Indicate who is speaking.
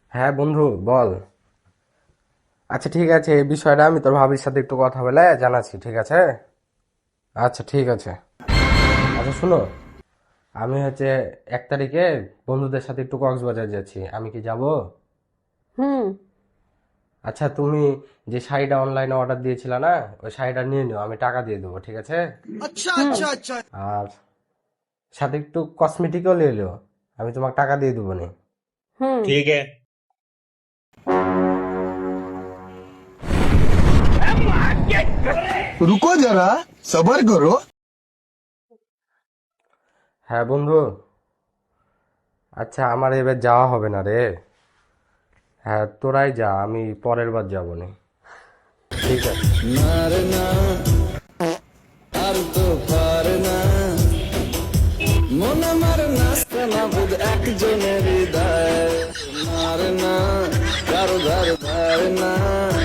Speaker 1: হ্যাঁ বন্ধু, বল। আচ্ছা ঠিক আছে, এই বিষয়টা আমি তোর ভাবির সাথে একটু কথা বলে জানাচ্ছি, ঠিক আছে? আচ্ছা ঠিক আছে। আচ্ছা শুনো, আমি 1 তারিখে বন্ধুদের সাথে একটু কক্সবাজার যাচ্ছি, আমি কি যাব?
Speaker 2: হুম।
Speaker 1: আচ্ছা তুমি যে শাড়িটা অনলাইনে অর্ডার দিয়েছিলে না, ওই শাড়িটা নিয়ে নিও, আমি টাকা দিয়ে দেবো, ঠিক আছে?
Speaker 2: হুম।
Speaker 1: আর সাথে একটু কসমেটিকও নিয়ে নিও, আমি তোমাকে টাকা দিয়ে দেবো নি।
Speaker 2: হুম।
Speaker 3: ठीक है।
Speaker 4: रुको जरा, सबर करो।
Speaker 1: হ্যাঁ বন্ধু, আচ্ছা আমার এবার যাওয়া হবে না রে। হ্যাঁ তোরাই যা, আমি পরের বার যাবো নি। ঠিক আছে।
Speaker 5: আর তো পারে না মন আমার নাচতে না বুধ একজনের হৃদয় মারে না কারো ধার ধারে না